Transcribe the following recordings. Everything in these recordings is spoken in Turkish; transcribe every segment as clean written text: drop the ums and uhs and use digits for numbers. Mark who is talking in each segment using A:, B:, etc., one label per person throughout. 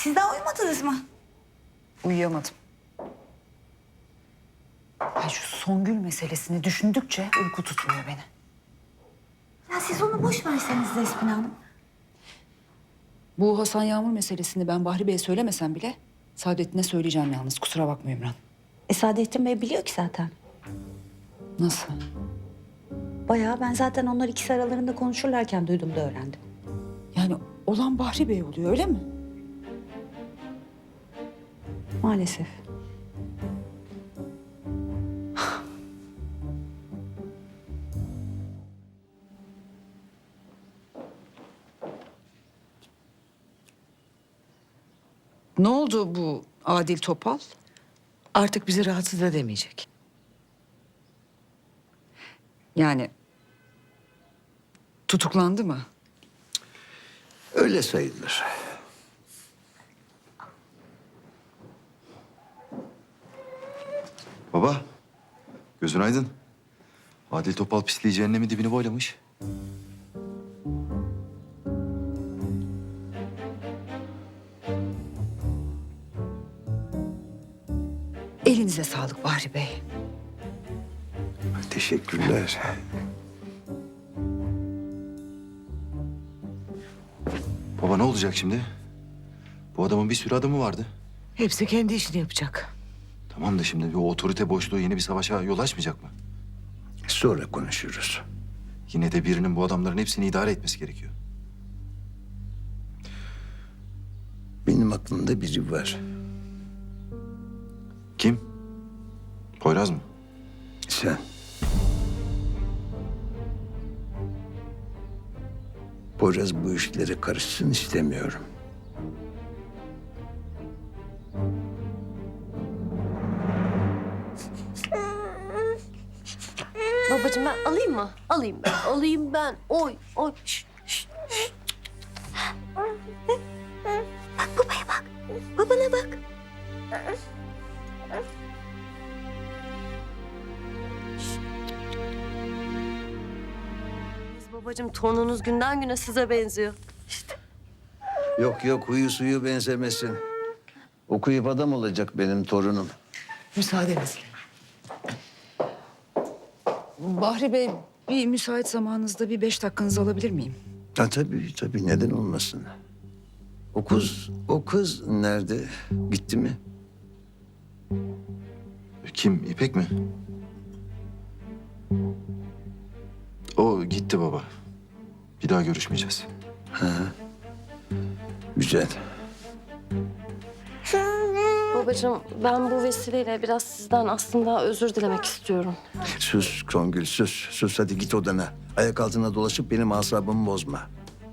A: Siz daha uyumadınız mı?
B: Uyuyamadım. Ay şu Songül meselesini düşündükçe uyku tutmuyor beni.
A: Ya siz onu boş verseniz Despina Hanım.
B: Bu Hasan Yağmur meselesini ben Bahri Bey'e söylemesem bile Saadettin'e söyleyeceğim yalnız. Kusura bakma Ümran.
A: Saadettin Bey biliyor ki zaten.
B: Nasıl?
A: Bayağı ben zaten onlar ikisi aralarında konuşurlarken duydum da öğrendim.
B: Yani olan Bahri Bey oluyor öyle mi?
A: Maalesef.
B: Ne oldu bu Adil Topal?
C: Artık bizi rahatsız edemeyecek.
B: Yani tutuklandı mı?
D: Öyle sayılır.
E: Baba, gözün aydın. Adil Topal pisliği cehennemin dibini boylamış.
B: Elinize sağlık Bahri Bey.
D: Teşekkürler.
E: Baba ne olacak şimdi? Bu adamın bir sürü adamı vardı.
C: Hepsi kendi işini yapacak.
E: Tamam da şimdi bir otorite boşluğu yeni bir savaşa yol açmayacak mı?
D: Sonra konuşuruz.
E: Yine de birinin bu adamların hepsini idare etmesi gerekiyor.
D: Benim aklımda biri var.
E: Kim? Poyraz mı?
D: Sen. Poyraz bu işlere karışsın istemiyorum.
F: Babacığım ben alayım mı? Alayım ben. Alayım ben. Oy, oy. Şş, şş, şş.
A: Bak babaya bak. Babana bak.
F: Babacığım torununuz günden güne size benziyor.
D: Yok yok huyu suyu benzemesin. Okuyup adam olacak benim torunum.
C: Müsaadenizle.
B: Bahri Bey bir müsait zamanınızda bir 5 dakikanızı alabilir miyim?
D: Ha, tabii neden olmasın. O kız nerede? Gitti mi?
E: Kim? İpek mi? O gitti baba. Bir daha görüşmeyeceğiz.
D: Güzel.
F: Babacığım ben bu vesileyle biraz sizden aslında özür dilemek istiyorum.
D: Sus Songül sus. Sus hadi git odana. Ayak altına dolaşıp benim asabımı bozma.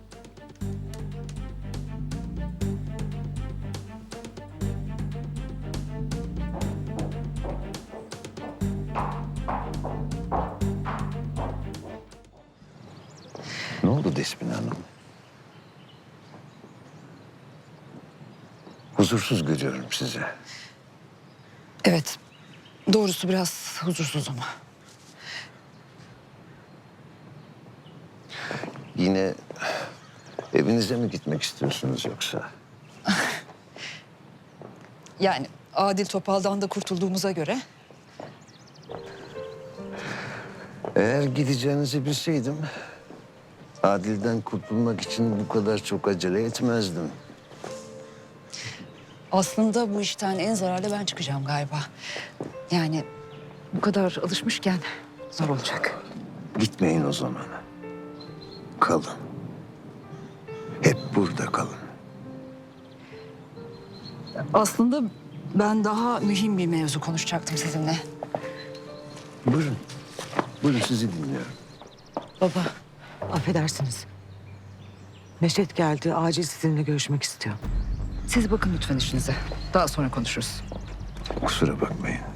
D: Ne oldu Despina Hanım? Huzursuz görüyorum sizi.
B: Evet. Doğrusu biraz huzursuzum.
D: Yine evinize mi gitmek istiyorsunuz yoksa?
B: Yani Adil Topal'dan da kurtulduğumuza göre
D: Eğer gideceğinizi bilseydim... Adil'den kurtulmak için bu kadar çok acele etmezdim.
B: aslında bu işten en zararlı ben çıkacağım galiba. Yani bu kadar alışmışken zor olacak.
D: Gitmeyin o zaman. Kalın. Hep burada kalın.
B: Aslında ben daha mühim bir mevzu konuşacaktım sizinle.
D: Buyurun. Buyurun sizi dinliyorum.
C: Baba, affedersiniz. Neşet geldi, acil sizinle görüşmek istiyor.
B: Siz bakın lütfen işinize. Daha sonra konuşuruz.
D: Kusura bakmayın.